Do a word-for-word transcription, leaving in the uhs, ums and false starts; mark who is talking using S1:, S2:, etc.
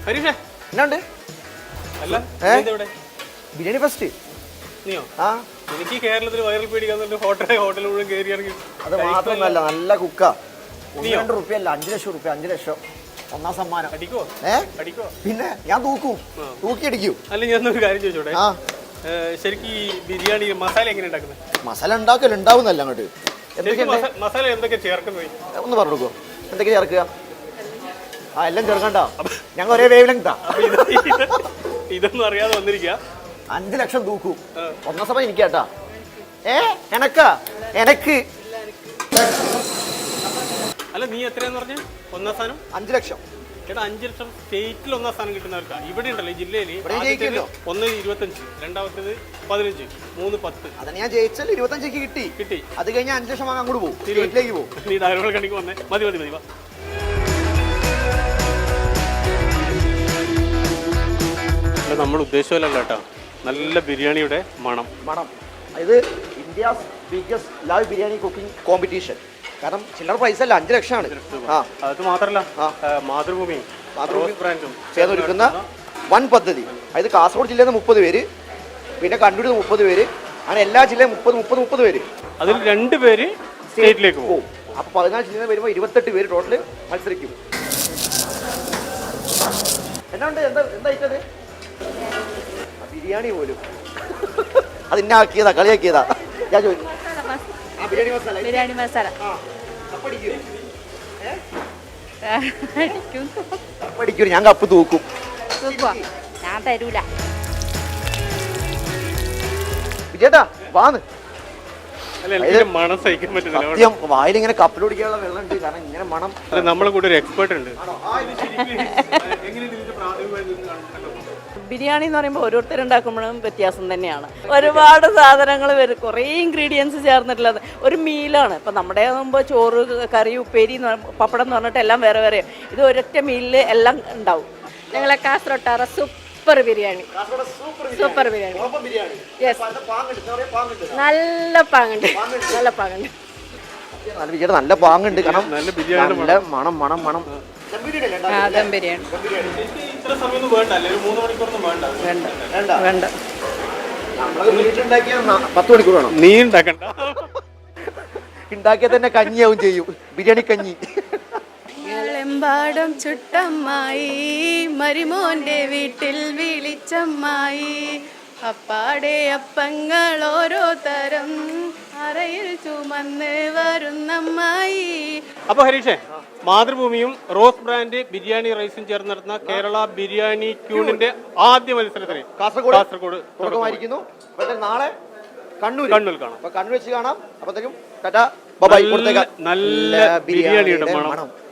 S1: ഹരീഷേ
S2: എന്നാണ്ട്
S1: അല്ല
S2: ബിരിയാണി ഫസ്റ്റ്
S1: നീയോ
S2: ആ
S1: എനിക്ക് കേരളത്തിൽ വൈറൽ പേടിക്കാന്നുണ്ട് ഹോട്ടൽ ഹോട്ടൽ മുഴുവൻ കയറി ഇറങ്ങി.
S2: അത് മാത്രമല്ല നല്ല കുക്കാ. രണ്ട് റുപ്യ അല്ല അഞ്ചു ലക്ഷം റുപ്യ അഞ്ചു ലക്ഷം ഒന്നാം സമ്മാനം.
S1: അടിക്കോ
S2: ഏ
S1: അടിക്കോ
S2: പിന്നെ ഞാൻ തൂക്കും തൂക്കി അടിക്കൂ.
S1: അല്ല ഞാനൊരു കാര്യം ചോദിച്ചോട്ടെ,
S2: ആ
S1: ശരിക്കും ഈ ബിരിയാണി മസാല എങ്ങനെ ഉണ്ടാക്കുന്നത്?
S2: മസാല ഉണ്ടാക്കല് ഉണ്ടാവുന്നല്ല അങ്ങോട്ട്.
S1: മസാല എന്തൊക്കെ ചേർക്കുന്നത്
S2: ഒന്ന് പറഞ്ഞു കൊടുക്കോ? എന്തൊക്കെ ചേർക്കുക? ആ എല്ലാം ചേർക്കണ്ട, ഞങ്ങൾ ഒരേ വേവ് ലെങ്താ.
S1: ഇതൊന്നും അറിയാതെ വന്നിരിക്കുക.
S2: അഞ്ചു ലക്ഷം തൂക്കും ഒന്നാം സമയം എനിക്ക് കേട്ടാ. ഏ എനക്കാ എനക്ക്
S1: അല്ല നീ എത്രയാന്ന് പറഞ്ഞ ഒന്നാം സ്ഥാനം?
S2: അഞ്ചു ലക്ഷം.
S1: ചേട്ടാ അഞ്ചു ലക്ഷം സ്റ്റേറ്റിൽ ഒന്നാം സ്ഥാനം കിട്ടുന്നവർക്കാ. ഇവിടെ ഉണ്ടല്ലോ ഈ ജില്ലയിൽ ഒന്ന് ഇരുപത്തഞ്ച്, രണ്ടാമത്തേത് പതിനഞ്ച്, മൂന്ന് പത്ത്.
S2: അതെ ഞാൻ ജയിച്ചാൽ ഇരുപത്തഞ്ചേക്ക് കിട്ടി
S1: കിട്ടി
S2: അത് കഴിഞ്ഞാൽ അഞ്ചു ലക്ഷം വാങ്ങാൻ അങ്ങോട്ട് പോകും, സ്റ്റേറ്റിലേക്ക് പോകും.
S1: നീ ഡയലോഗ് കണിക്ക് വന്നേ. മതി മതി മതി വാ. അല്ല നമ്മൾ ഉദ്ദേശമല്ല കേട്ടോ, നല്ല ബിരിയാണിയുടെ മണം
S2: മണം ഇത് India's biggest live biryani cooking competition. കാരണം ചില്ലറ പ്രൈസ് അല്ല, അഞ്ചു ലക്ഷമാണ്. ആ
S1: അത് മാത്രമല്ല മാതൃഭൂമി മാതൃഭൂമി ബ്രാൻഡും
S2: ചേർന്നൊരുക്കുന്ന വൻ പദ്ധതി. അതായത് കാസർഗോഡ് ജില്ലയിൽ നിന്ന് മുപ്പത് പേര്, പിന്നെ കണ്ണൂരിൽ നിന്ന് മുപ്പത് പേര്, അങ്ങനെ എല്ലാ ജില്ലയും മുപ്പത് മുപ്പത് മുപ്പത് പേര്.
S1: അതിൽ രണ്ട് പേര് സ്റ്റേറ്റിലേക്ക് പോകും.
S2: അപ്പൊ പതിനാല് ജില്ലയിൽ വരുമ്പോൾ ഇരുപത്തെട്ട് പേര് ടോട്ടല് മത്സരിക്കും. എന്നാണ്ട് എന്താ എന്താ ഇട്ടത്? ബിരിയാണി പോലും അത് ഇന്നാക്കിയതാ, കളിയാക്കിയതാ. ഞാൻ ചോദിച്ചു ബിരിയാണി മസാല
S3: ബിരിയാണി മസാല
S2: പഠിക്കും. ഞാൻ കപ്പ് തൂക്കും.
S3: ഞാൻ തരൂല.
S2: വിജയേട്ടാ വാന്ന്.
S1: മണം സഹിക്കാൻ പറ്റുന്നില്ല.
S2: സത്യം വായിലിങ്ങനെ കപ്പിലൊടിക്കാനുള്ള വെള്ളം ഉണ്ട്. കാരണം ഇങ്ങനെ മണം.
S1: നമ്മളെ കൂടെ ഒരു എക്സ്പേർട്ട് ഉണ്ട്.
S3: ബിരിയാണി എന്ന് പറയുമ്പോൾ ഓരോരുത്തരുണ്ടാക്കുമ്പോഴും വ്യത്യാസം തന്നെയാണ്. ഒരുപാട് സാധനങ്ങൾ വരും, കുറേ ഇൻഗ്രീഡിയൻസ് ചേർന്നിട്ടുള്ളത് ഒരു മീലാണ്. ഇപ്പം നമ്മുടെ ആകുമ്പോൾ ചോറ്, കറി, ഉപ്പേരി, പപ്പടം എന്ന് പറഞ്ഞിട്ട് എല്ലാം വേറെ വേറെ. ഇത് ഒരൊറ്റ മീലിൽ എല്ലാം ഉണ്ടാവും. ഞങ്ങളെ കാസർഗോട്ടാറ super biryani, super biryani. Yes, നല്ല പാങ്ങുണ്ട്, നല്ല പാങ്ങുണ്ട്.
S2: നല്ല ബിരിയാണി നല്ല പാങ്ങുണ്ട്. കാരണം നല്ല മണം മണം മണം.
S3: ദം ബിരിയാണി വേണ്ട വേണ്ട.
S2: പത്ത് മണിക്കൂർ വേണം.
S1: നീ ഉണ്ടാക്കണ്ട,
S2: ഉണ്ടാക്കിയാൽ തന്നെ കഞ്ഞിയാവും ചെയ്യും. ബിരിയാണി കഞ്ഞി.
S3: എമ്പാടും ചുട്ടമ്മായി മരിമോന്റെ വീട്ടിൽ വിളിച്ചമ്മായി, അപ്പാടെ അപ്പങ്ങൾ ഓരോ തരം അറയിൽ ചുമന്ന് വരുന്നമ്മായി.
S1: അപ്പൊ ഹരീഷേ, മാതൃഭൂമിയും റോസ് ബ്രാൻഡ് ബിരിയാണി റൈസും ചേർന്ന് നടത്തുന്ന കേരള ബിരിയാണി ക്യൂണിന്റെ ആദ്യ മത്സരത്തിന്
S2: കാസർഗോഡ്
S1: കാസർഗോഡ്
S2: തുടക്കമായിരിക്കുന്നു. നാളെ കണ്ണൂർ
S1: കണ്ണൂർ കാണാം.
S2: കണ്ണൂർ വെച്ച് കാണാം. അപ്പത്തേക്കും
S1: നല്ല ബിരിയാണിയുടെ മണം.